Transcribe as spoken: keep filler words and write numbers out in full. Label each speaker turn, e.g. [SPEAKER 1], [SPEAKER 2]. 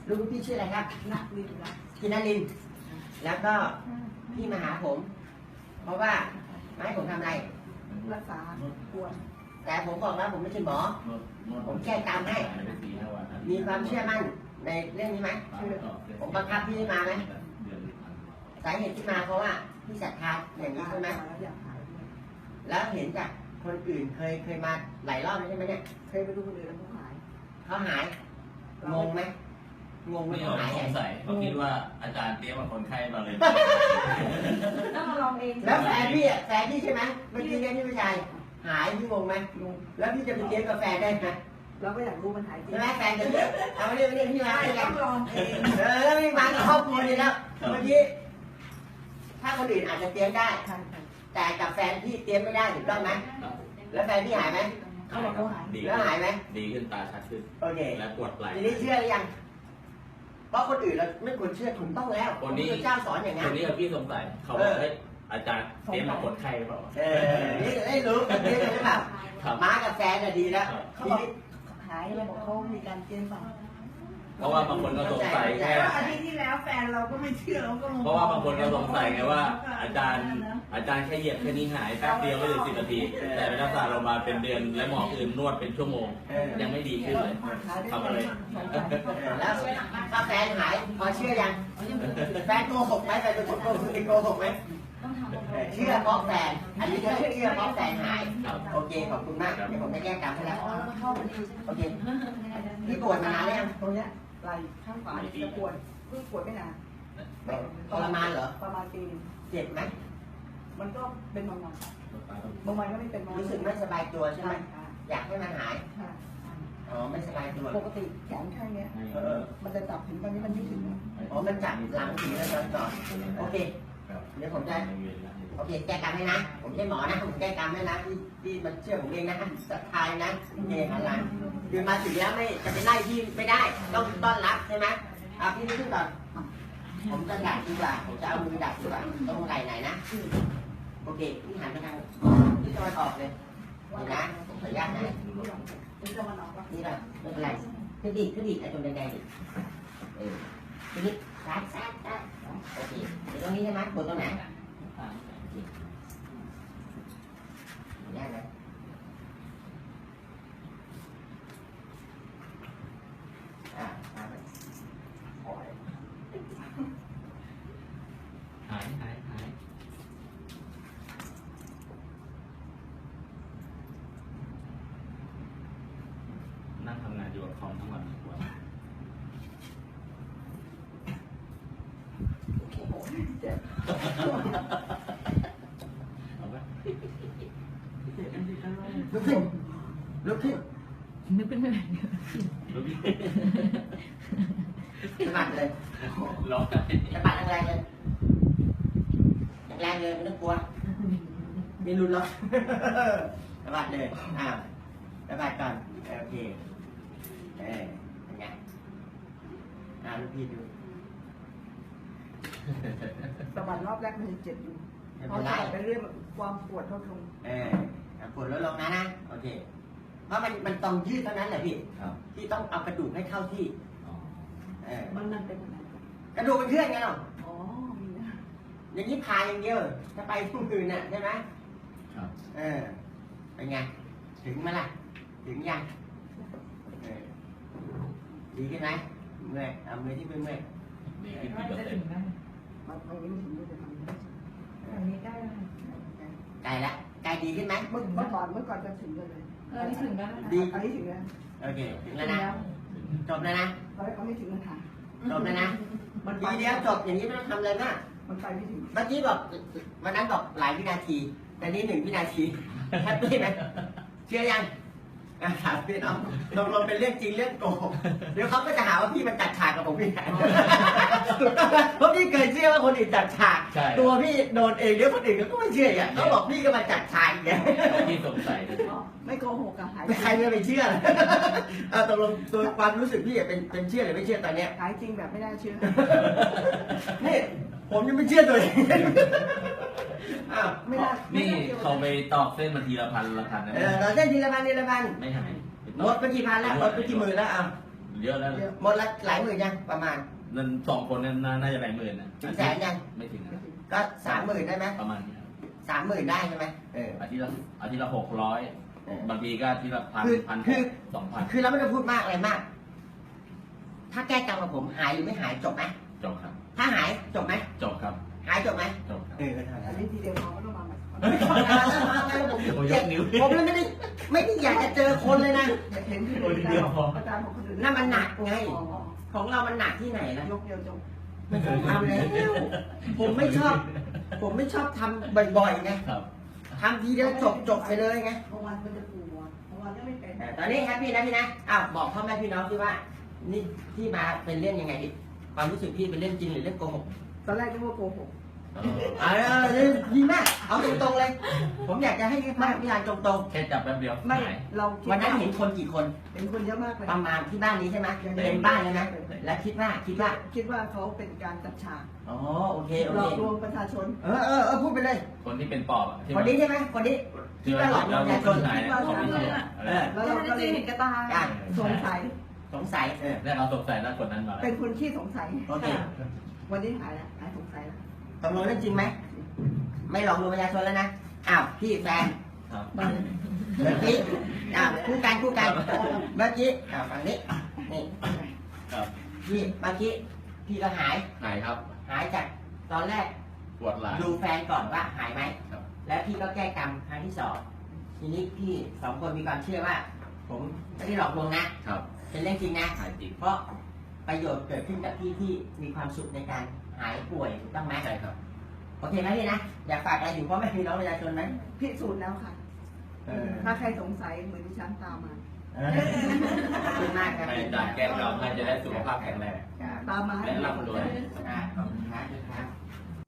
[SPEAKER 1] ลูกพี่ชื่ออะไรครับนักลินพี่นลินแล้วก็พี่มาหาผม เพราะว่าไม่ให้ผมทำอะไรรักษาปวดแต่ผมบอกแล้วผมไม่ใช่หมอผมแก้กรรมให้มีความเชื่อมั่นในเรื่องนี้ไหมผมบังคับพี่มาไหมสาเหตุที่มาเพราะว่าพี่ศรัทธาอย่างนี้ใช่ไหมแล้วเห็นจากคนอื่นเคยเคยมาหลายรอบใช่ไหมเนี่ยเคยไปดูคนอื่นแล้วเขาหายเขาหายงงไหมงงไหม
[SPEAKER 2] ไม่
[SPEAKER 1] เขาหาย
[SPEAKER 2] สงสัยเขาคิดว่าอาจารย์เตรียมกับคนไข้มาเลย
[SPEAKER 3] ต้องมาลองเอง
[SPEAKER 1] แล้วแฟนพี่อ่ะแฟนพี่ใช่ไหมเมื่อกี้เนี่ยพี่ผู้ชายหายพี่งงไหมแล้วพี่จะไปเลี้ยงกับแฟนได้ไหมเราก็อยากรู้มันหายจริงใช่ไหมแฟนจะเลี้ยงเอามาเรียกมาเรียกพี่มาเลยกันเออแล้วพี่มากับครอบครัวนี่แล้วเมื่อกี้ถ้าคนอื่นอาจจะเตรียมได้แต่กับแฟนพี่เตรียมไม่ได้ถูกต้องไหมแล้วแฟนพี่หายไหมเขาบอกเขาหายแล้วหายไหม
[SPEAKER 2] ดีขึ้นตาชัดขึ้น
[SPEAKER 1] โอเค
[SPEAKER 2] และปวดไหล่
[SPEAKER 1] ทีนี้เชื่อหรือยังเพราะคนอื่นเราไม่ควรเชื่อถูกต้องแล้วคนนี้เจ้าสอนอย่างนั้
[SPEAKER 2] คน นนี้พี่สงสัยเขาบอกให้อาจารย์เตรียมกับคนไข้หรือเปล่า
[SPEAKER 1] เออนี่ได้รู้กันนี้เลยหรือเปล่าม้ากับแฟนน่ะดีแล้ว
[SPEAKER 3] เขาบอกหายแล้วบอกเขามีการเตรียมฝัง
[SPEAKER 2] เพราะว่าบางคนก็สงสัยแค่
[SPEAKER 3] อาทิตย์ที่แล้วแฟนเราก็ไม่เชื่อเราก็
[SPEAKER 2] เพราะว่าบางคนก็สงสัยไงว่า อาจารย์อาจารย์แค่เหยียบแค่นี้หายแป๊บเดียวไม่ถึงสิบนาทีแต่เป็นรักษาเรามาเป็นเดือนและหมออื่นนวดเป็นชั่วโมงยังไม่ดีขึ้นเลยทำอะไร
[SPEAKER 1] แล้วถ้าแฟนหายพอเชื่อยังแฟนโกหกไหมแฟนโกหกโกหกไหมเชื่อเพราะแฟนอันนี้ก็เชื่อเพราะแฟนหายโอเคขอบคุณมากเดี๋ยวผมจะแก้กรรมให้แล้วโอเคพี่ปวดมานานหรือยังตรงเนี้ยไหล่ข้างขวาจะปวดเพิ่งปวดไม่นานทรมานเหรอประมาณปีเจ็บไหมมันก็เป็นบางวันบางวันก็ไม่เป็นรู้สึกไม่สบายตัวใช่ไหมอยากให้มันหายอ๋อไม่สบายตัวปกติแขนข้างเนี้ยมันจะจับถึงตอนนี้มันไม่ถึงอ๋อมันจับหลังถึงแล้วตอนต่อโอเคเดี๋ยวผมจะโอเคแก้กรรมให้นะผมไม่ใช่หมอนะผมแก้กรรมให้นะที่ที่มันเชื่อผมเองนะศรัทธานะโอเคอะไรคือมาถึงแล้วไม่จะไปไล่พี่ไม่ได้ต้องต้อนรับใช่ไหมอ่ะพี่นี่ขึ้นก่อนผมจะดักดีกว่าผมจะเอามือดักดีกว่าต้องไหล่ไหนนะโอเคพี่หันไปทางที่ตะวันออกเลยนี่นะผมขออนุญาตนะนี่เราไม่เป็นไรขึ้นดิขึ้นดิไอ้ตรงแดงๆดิเออทีนี้ซ้ายซ้ายซ้ายโอเคเดี๋ยวตรงนี้ใช่ไหมปวดตรงไหนยากไหมอ่าหาย
[SPEAKER 2] หายหายหายนั่งทำงานอยู่กับคอมทั้งวันทุกวัน
[SPEAKER 1] ลุกขึ้นลุกขึ้น
[SPEAKER 3] นึกเป็นอะไร
[SPEAKER 1] สะบัดเลย
[SPEAKER 2] ร้องไห้
[SPEAKER 1] สะบัดแรงๆเลยแรงๆเลยไม่ต้องกลัวไม่รุนหรอกสะบัดเลยอ้าวสะบัดก่อนโอเคเออเป็นไงอ่าลูกพี่ดู
[SPEAKER 3] สะบัดรอบแรกมันเจ็บอยู่พอสะบัดไปเรื่อยความปวดเท่าทง
[SPEAKER 1] เออปวดลดลงนะนะโอเคเพราะมันมันต้องยืดเท่านั้นแหละพี่ที่ต้องเอากระดูกให้เข้าที่เออ
[SPEAKER 3] มันนั่นเป็น
[SPEAKER 1] กระดูกเป็นเครื่องไงเนาะ
[SPEAKER 3] อ๋อมีนะ
[SPEAKER 1] อย่างนี้พายอย่างเดียวจะไปทุกคืนน่ะใช่ไหม
[SPEAKER 2] ครับ
[SPEAKER 1] เออเป็นไงถึงไหมล่ะถึงยังเออดีขึ้นไหมเมื่อยเอามือที่ไม่เมื่อย
[SPEAKER 2] ดีขึ้นกี่เปอร์เซ็นต์
[SPEAKER 3] มันไม่ถึงจะทำได้อันนี้ใกล้แล้ว
[SPEAKER 1] ไกลละไกลดีขึ้นไหม
[SPEAKER 3] เมื่อก่อนเมื่อก่อนจะถึงเลยเออนี่ถึงแล้ว
[SPEAKER 1] ดี
[SPEAKER 3] อันนี้ถึงแล้ว
[SPEAKER 1] โอเคถึงแล้วนะจบแล้วนะ
[SPEAKER 3] เขาไม่ถึงมันถ่าย
[SPEAKER 1] จบแล้วนะมันทีเดียวจบอย่างนี้ไม่ต้องทำอะไรมาก
[SPEAKER 3] มันไปไม่ถึง
[SPEAKER 1] เมื่อกี้บอกวันนั้นบอกหลายวินาทีแต่นี้หนึ่งวินาทีแฮปปี้ไหมเชื่อยังถามพี่น้องลงลงเป็นเรื่องจริงเรื่องโกหกเดี๋ยวเขาก็จะหาว่าพี่มันจัดฉากกับผมพี่เพราะพี่เคยเชื่อว่าคนอื่นจัดฉากตัวพี่โดนเองเดี๋ยวคนอื่นก็ไม่เชื่ออย่างเขาบอกพี่ก็มาจัดฉากอย่าง
[SPEAKER 2] พี่สงสัย
[SPEAKER 3] ไม่โกหกอะหาย
[SPEAKER 1] ใครจะไปเชื่อเอาตกลงตัวความรู้สึกพี่เป็นเป็นเชื่อหรือไม่เชื่อตอนเนี้ย
[SPEAKER 3] หายจริงแบบไม่ได้เชื่อ
[SPEAKER 1] นี่ผมยังไม่เชื่อตัวเองอ้าว
[SPEAKER 3] ไม่ได้
[SPEAKER 2] นี่เขาไปตอกเส้นมาทีละพันละพันนะ
[SPEAKER 1] เออตอกเส้นทีละพันทีละพัน
[SPEAKER 2] ไม่หาย
[SPEAKER 1] หมดไปกี่พันแล้วหมดไปกี่หมื่นแล้วอ่ะ
[SPEAKER 2] ลเยอะแล้วนะ
[SPEAKER 1] หมดละหลายหมื่นยังประมาณ
[SPEAKER 2] นั่นสองคนนั้นน่าจะหลายหมื่นนะ
[SPEAKER 1] ถึงแสนยัง
[SPEAKER 2] ไม่ถึงนะ
[SPEAKER 1] ก็สามหมื่นได้ไหม
[SPEAKER 2] ประมาณนี้ครับ
[SPEAKER 1] สามหมื่นได้ใช่ไหมเออ
[SPEAKER 2] อาทิตย์ละอาทิตย์ละหกร้อย
[SPEAKER 1] เออ
[SPEAKER 2] บางทีก็อาทิตย์ละพัน
[SPEAKER 1] คือ
[SPEAKER 2] พัน
[SPEAKER 1] คือ
[SPEAKER 2] สองพัน
[SPEAKER 1] คือเราไม่ต้องพูดมากอะไรมาก ถ้าแก้กรรมกับผมหายหรือไม่หายจบไหม
[SPEAKER 2] จบครับ
[SPEAKER 1] ถ้าหายจบไหม
[SPEAKER 2] จบครับ
[SPEAKER 1] หายจบไหม
[SPEAKER 2] จบครับ
[SPEAKER 1] เออเท่า
[SPEAKER 3] อั
[SPEAKER 1] นั้น น
[SPEAKER 3] นี้ทีเดียวพอไม่ต้องมาใหม่
[SPEAKER 1] ผม
[SPEAKER 2] โอ้ยยกนิ้ว
[SPEAKER 1] ผมเลยไม่ได้ไม่ได้อยากจะเจอคนเลยนะ
[SPEAKER 3] เห็นที่
[SPEAKER 2] โอ้ยทีเดียวพอ
[SPEAKER 3] อาจารย์ของคนอื่น
[SPEAKER 1] นั่นมันหนักไง
[SPEAKER 3] อ๋อ
[SPEAKER 1] ของเรามันหนักที่ไหนนะ
[SPEAKER 3] ยกเดียวจบ
[SPEAKER 1] ไม่ต้องทำแล้วผมไม่ชอบ ผมไม่ชอบทำบ่อยๆไง
[SPEAKER 2] ครับ
[SPEAKER 1] ทำทีเดียวจบจบไปเลยไง
[SPEAKER 3] บางวันมันจะปวดบางวันก็ไม่เป็น
[SPEAKER 1] เออตอนนี้แฮปปี้นะพี่นะอ้าวบอกพ่อแม่พี่น้องที่ว่า นี่ที่มาเป็นเรื่องยังไงดิความรู้สึกพี่เป็นเรื่องจริงหรือเรื่องโกหก
[SPEAKER 3] ตอนแรกก็ว่าโกหก
[SPEAKER 1] เออดีมากเอาตรงๆเลย ผมอยากจะให้มากพี่ลานตรง
[SPEAKER 2] แค่จับแป๊บเดียว
[SPEAKER 3] ไม่
[SPEAKER 2] หาย
[SPEAKER 3] เราคิด
[SPEAKER 1] ๆวันนั้นเห็นคนกี่คน
[SPEAKER 3] เห็นคนเยอะมากเลย
[SPEAKER 1] ประมาณที่บ้านนี้ใช่ไหมเป็นบ้านเลยนะแล้วคิดว่าคิดว่า
[SPEAKER 3] คิดว่าเขาเป็นการจัดฉาก
[SPEAKER 1] อ๋อโอเคโอ
[SPEAKER 3] หล
[SPEAKER 1] เค
[SPEAKER 3] อกลวงประชาชน
[SPEAKER 1] เออเออเออพูดไปเลย
[SPEAKER 2] คนที่เป็นปอบอะที่
[SPEAKER 1] คนนี้ใช่ไหมคนนี้
[SPEAKER 2] ที่
[SPEAKER 1] ที่
[SPEAKER 2] ว่า
[SPEAKER 1] ว่าหลอกลวงประชาชน
[SPEAKER 2] หายนะของที่เชื่อ
[SPEAKER 1] เออ
[SPEAKER 3] แล้วเราก็เลยเห็นกระตา
[SPEAKER 1] อ่ะ
[SPEAKER 3] สงสัย
[SPEAKER 1] สงสัยเออ
[SPEAKER 2] แล้วเราสงสัยแล้วคนนั้นมาแล้ว
[SPEAKER 3] เป็นคนขี้สงสัย
[SPEAKER 1] โอเค
[SPEAKER 3] วันนี้หายแล้วหายสงสัยแล้ว
[SPEAKER 1] ตกลงเรื่องจริงไหมไม่หลอกลวงประชาชนแล้วนะอ้าวพี่แฟน
[SPEAKER 2] ครับ
[SPEAKER 3] บ้าน
[SPEAKER 1] เมื่อกี้อ้าวคู่กันคู่กันเมื่อกี้อ้าวฝั่งนี้นี่
[SPEAKER 2] ครับ
[SPEAKER 1] พี่เมื่อกี้พี่ก็หาย
[SPEAKER 2] หายครับ
[SPEAKER 1] หายจากตอนแรก
[SPEAKER 2] ปวดหลัง
[SPEAKER 1] ดูแฟนก่อนว่าหายไหม
[SPEAKER 2] ครับ
[SPEAKER 1] แล้วพี่ก็แก้กรรมครั้งที่สองทีนี้พี่สองคนมีความเชื่อว่า ผมไม่ได้หลอกลวงนะครับ เป็นเรื่องจริงนะ
[SPEAKER 2] หายจริง
[SPEAKER 1] เพราะประโยชน์เกิดขึ้นกับพี่ที่มีความสุขในการหายป่วยถูกต้องไหม
[SPEAKER 2] ใช่ครับ
[SPEAKER 1] โอเคไหมพี่นะอยากฝากอะไรถึงพ่อแม่พี่น้องประชาชนไหม
[SPEAKER 3] พิสูจน์แล้วค่ะ
[SPEAKER 1] เออ
[SPEAKER 3] ถ้าใครสงสัยเหมือนดิฉันตามมา
[SPEAKER 1] เออขอบคุณมากครับ
[SPEAKER 2] ให้อาจารย์แก้เราให้จะได้สุขภาพแข็งแรง
[SPEAKER 3] ตามมาให้
[SPEAKER 2] และร่ำรวย
[SPEAKER 1] อ่าขอบ